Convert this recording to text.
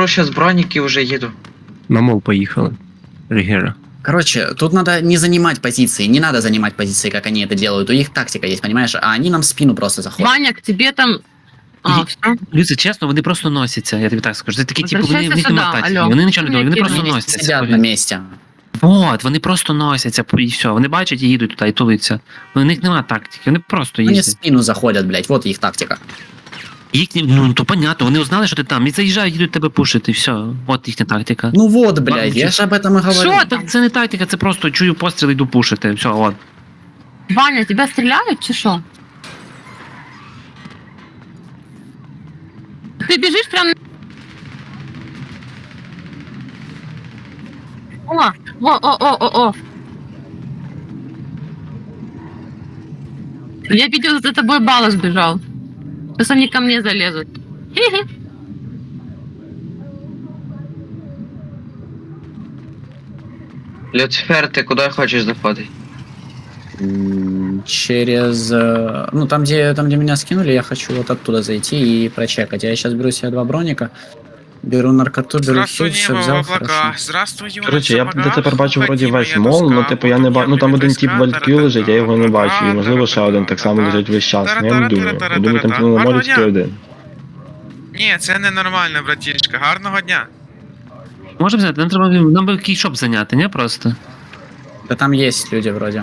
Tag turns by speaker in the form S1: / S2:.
S1: беру сейчас броник и уже еду.
S2: На мол поїхали. Рігера.
S3: Короче, тут надо не занимать позиции, не надо занимать позиции, как они это делают. У них тактика есть, понимаешь? А они нам в спину просто заходят.
S4: Ваня, к тебе там... все.
S2: Люці, чесно, вони просто носяться, я тобі так скажу. Це такі, типу, вони в
S4: Возвращайся
S2: них нема
S4: сюди,
S2: тактики.
S4: алло.
S2: Вони нічого не роблять, вони просто
S4: Вони
S2: носяться.
S3: Сидят на месте.
S2: От, вони просто носяться, і все. Вони бачать і їдуть туди, і тулиться. У них нема тактики, вони просто
S3: Они в
S2: їздять.
S3: спину заходят, блядь, вот их тактика.
S2: Їхні, ну, то понятно, вони узнали, що ти там, і заїжджають, їдуть тебе пушити, і все. От їхня тактика.
S3: Ну вот, блядь, я же об этом и говорю.
S4: Що ти?
S2: Це не тактика, це просто чую постріл, йду пушити, все, от.
S4: Ваня, тебя стреляют, чи що? Ты бежишь прям... О. Я видел, за тобой Балас бежал. Сейчас они ко мне залезут. Хе-хе.
S1: Люцифер, ты куда хочешь заходить?
S3: Через... Ну, там где меня скинули, я хочу вот оттуда зайти и прочекать. Я сейчас беру себе 2 броника, беру наркоту, беру
S5: Здравствуй,
S3: все, все
S5: небо в
S3: взял,
S5: облаках.
S3: хорошо.
S5: Здравствуй, юность
S6: Коротше, я
S5: в ногах.
S6: дотепер бачу вроді
S5: Ходімо,
S6: весь
S5: я
S6: мол,
S5: доска,
S6: ну типу я не бачу, ну там один тип в альпі лежить, я його не бачу, і можливо ще один так само лежить весь час, ну я не думаю. Я думаю, там типу на морі тільки один.
S5: Ні, це ненормально, братішка. Гарного дня.
S2: Може взяти, нам треба, нам би кейшоп зайняти, не просто?
S3: Да там есть люди вроде.